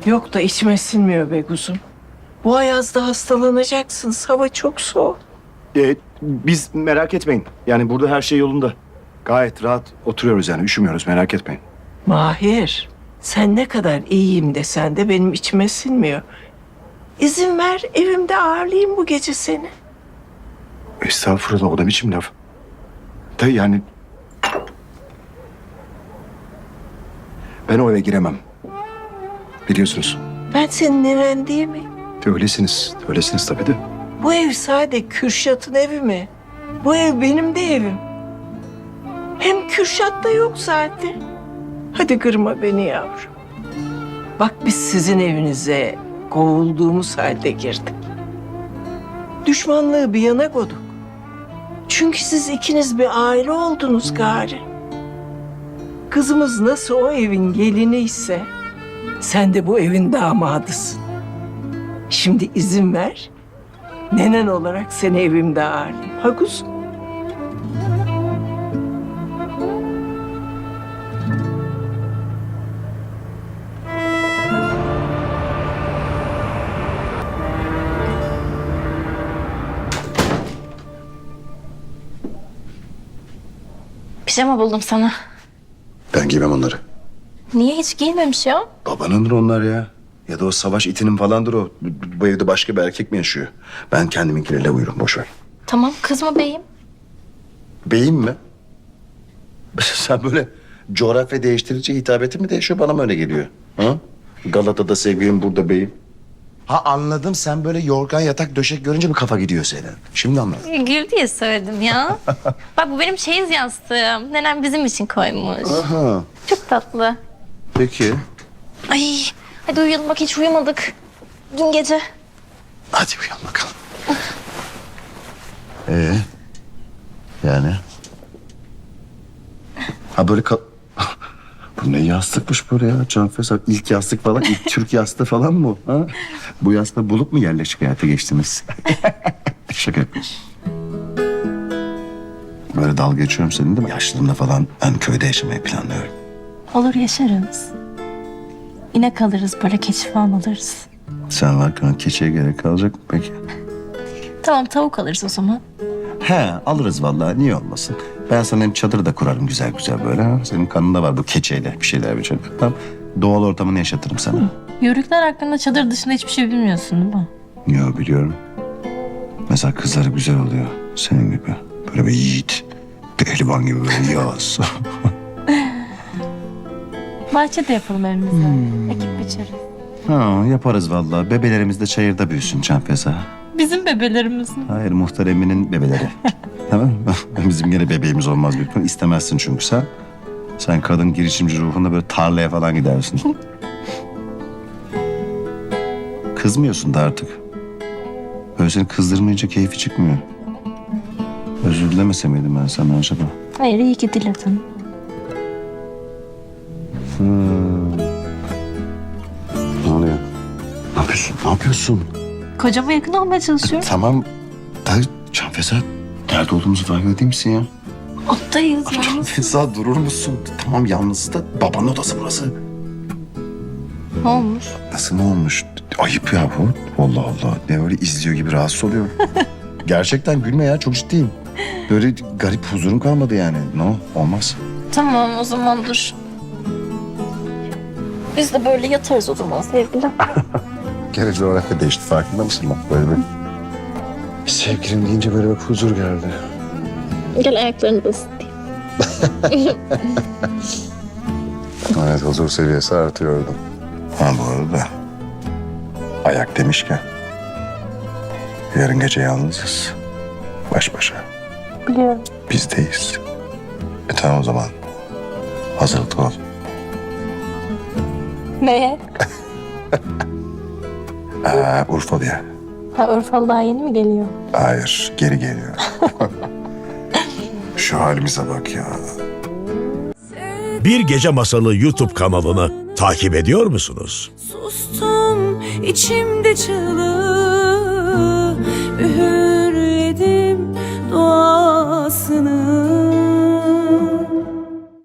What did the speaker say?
Yok da içime sinmiyor be kuzum. Bu ayazda hastalanacaksın. Hava çok soğuk. Biz merak etmeyin. Yani burada her şey yolunda. Gayet rahat oturuyoruz yani. Üşümüyoruz, merak etmeyin. Mahir, sen ne kadar iyiyim desen de benim içime sinmiyor. İzin ver evimde ağırlayayım bu gece seni. Estağfurullah, o da biçim laf. Da yani... Ben o eve giremem. Biliyorsunuz. Ben senin neren değil mi? Öylesiniz. Öylesiniz tabii de. Bu ev sadece Kürşat'ın evi mi? Bu ev benim de evim. Hem Kürşat da yok zaten. Hadi kırma beni yavrum. Bak biz sizin evinize kovulduğumuz halde girdik. Düşmanlığı bir yana koyduk. Çünkü siz ikiniz bir aile oldunuz gari. Kızımız nasıl o evin gelini ise sen de bu evin damadısın. Şimdi izin ver. Nenen olarak seni evimde ağırlayayım. Ha kuzum? Pijama buldum sana. Ben giymem onları. Niye hiç giymemiş ya? Babanındır onlar ya. Ya da o savaş itinin falandır o. Bu evde başka bir erkek mi yaşıyor? Ben kendiminkileriyle uyurum, boş ver. Tamam kızma beyim. Beyim mi? Sen böyle coğrafya değiştirince hitabetin mi değişiyor, bana mı öyle geliyor? Ha? Galata'da sevgilim, burada beyim. Ha anladım, sen böyle yorgan yatak döşek görünce mi kafa gidiyor senin? Şimdi anladım. Gül diye söyledim ya. Bak bu benim çeyiz yastığım. Nenem bizim için koymuş. Aha, Çok tatlı. peki. Ay hadi uyuyalım bak hiç uyumadık. Dün gece. Hadi uyan bakalım. Yani? Ha böyle Bu ne yastıkmış böyle ya Canfeza? İlk yastık falan, ilk Türk yastığı falan mı bu? Ha? Bu yastığı bulup mu yerleşik hayata geçtiniz? Şaka yapıyorum. Böyle dalga geçiyorum senin değil mi? Yaşlılığımda falan ben köyde yaşamayı planlıyorum. Olur yaşarız. İnek alırız böyle keçi falan alırız. Sen varken keçiye gerek kalacak mı peki? Tamam tavuk alırız o zaman. He alırız vallahi, niye olmasın? Ben sana hem çadır da kurarım güzel güzel böyle. Ha? Senin kanında var bu keçeyle bir şeyler bir şeyler. Tamam. Doğal ortamını yaşatırım sana. Yörükler hakkında çadır dışında hiçbir şey bilmiyorsun değil mi? Yo biliyorum. Mesela kızları güzel oluyor. Senin gibi. Böyle bir yiğit. Pehlivan gibi böyle yağız. Bahçede yapalım evimizi. Ekip biçeriz. Ha, yaparız vallahi. Bebelerimiz de çayırda büyüsün Canfeza. Bizim bebelerimiz mi? Hayır, Muhtar Emin'in bebeleri. Tamam mı? Bizim gene bebeğimiz olmaz büyük ihtimalle. İstemezsin çünkü sen. Sen kadın girişimci ruhunda böyle tarlaya falan gidersin. Kızmıyorsun da artık. Böyle seni kızdırmayınca keyfi çıkmıyor. Özür dilemese miydim ben sana acaba? Hayır iyi ki diledin. Ne oluyor? Ne yapıyorsun? Ne yapıyorsun? Kocama yakın olmaya çalışıyorum. Tamam. Da Canfeza, nerede olduğumuzu farkında değil misin ya? Ottayız yalnız. Canfeza durur musun? Tamam yalnız da babanın odası burası. Ne olmuş? Nasıl ne olmuş? Ayıp ya bu. Allah Allah. Ne öyle izliyor gibi rahatsız oluyor. Gerçekten gülme ya, çok ciddiyim. Böyle garip huzurum kalmadı yani. No, olmaz. Tamam o zaman dur. Biz de böyle yatarız o zaman sevgilim. Gene coğrafya değişti, farkında mısın bak böyle bir... Sevgilim deyince böyle bir huzur geldi. Gel ayaklarını da ısıtayım. Evet, huzur seviyesi artıyordu. Ha bu arada ayak demişken yarın gece yalnızız. Baş başa. Biliyorum. Bizdeyiz. Tamam o zaman. Hazırlıklı ol. Neye? Urfalı'ya. Ha Urfalı daha yeni mi geliyor? Hayır, geri geliyor. Şu halimize bak ya. Bir Gece Masalı YouTube kanalını takip ediyor musunuz? Sustum içimde çığlığı, üğürledim duasını.